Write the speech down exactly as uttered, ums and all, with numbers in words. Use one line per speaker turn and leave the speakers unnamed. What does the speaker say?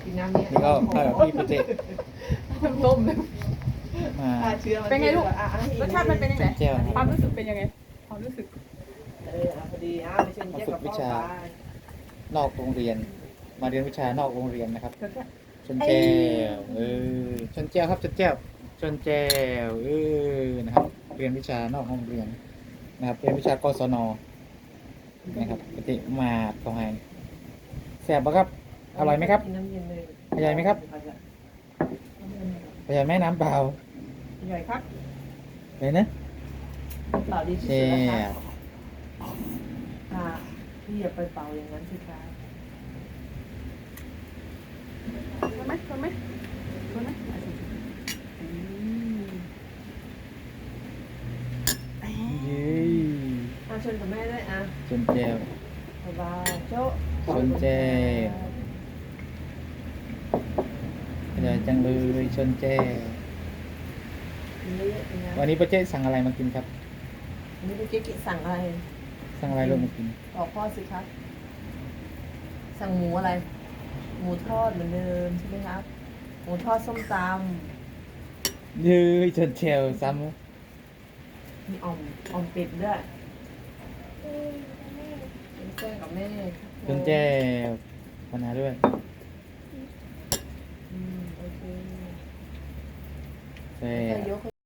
กินน้ำนี้
นี่ก็ข้าวกับพี่โปรเจกต์
ต้มเลย
มา
ฆ่าเชื้อมั
เป็นไงลูก
อ่ะอ่ะให้
รสชาติมันเป็นยังไง
เจ้า
ความรู้สึกเป็นยังไงความรู้สึก
เอออ่ะพอดีอ่ะไปเชิญเจ๊กับพ่อไป
นอกโรงเรียน มาเรียนวิชานอกโรงเรียนนะครับ
เดี๋ยวจะ
ชนแก้วเออชนแก้วครับชนแก้วชนแก้วเออนะครับ เรียนวิชานอกโรงเรียนนะครับ เรียนวิชากศนนะครับปกติมาตรงไหนแซ่บปะครับ อร่อยไหมครับ
กินน้ำเย็นเลย
อร่อยไหมครับ ประหยัดไหมน้ำเปล่า
ใหญ่ครับ
เลยนะ
เปล่าดีที่
แซ่
สุดแล้วครับ
บ
ค่ะพี่อย่าไปเป่าอย่างนั้นสิคะ
ชนไหมชนไหมชนไหม
อืม
เย้
อ่ะชวนกับแม่ด้วยอ่ะ
ชนแก้ว
สบายโจ๊ะ
ชนแก้ว อร่อยจังเลยชนแก้ว
กินเยอะๆนะ
วันนี้ป้าเจ๊สั่งอะไรมากินครับ
วันนี้เจ๊กิสั่งอะไร
สั่งอะไรลงมากิน
บอกพ่อสิครับ สั่งหมูอะไร หมูทอดเหมือนเดิมใช่ไหมครับ หมูทอดส้มต
เย้ยชนแก้วซ้
ำมีอ่อมอ่อมเป็ดด้วยเป็นแก้กับแม่ครับ
ำชนแก้วมานาด้วย
อืมโอเค
แซ่
แค่
บ
ยก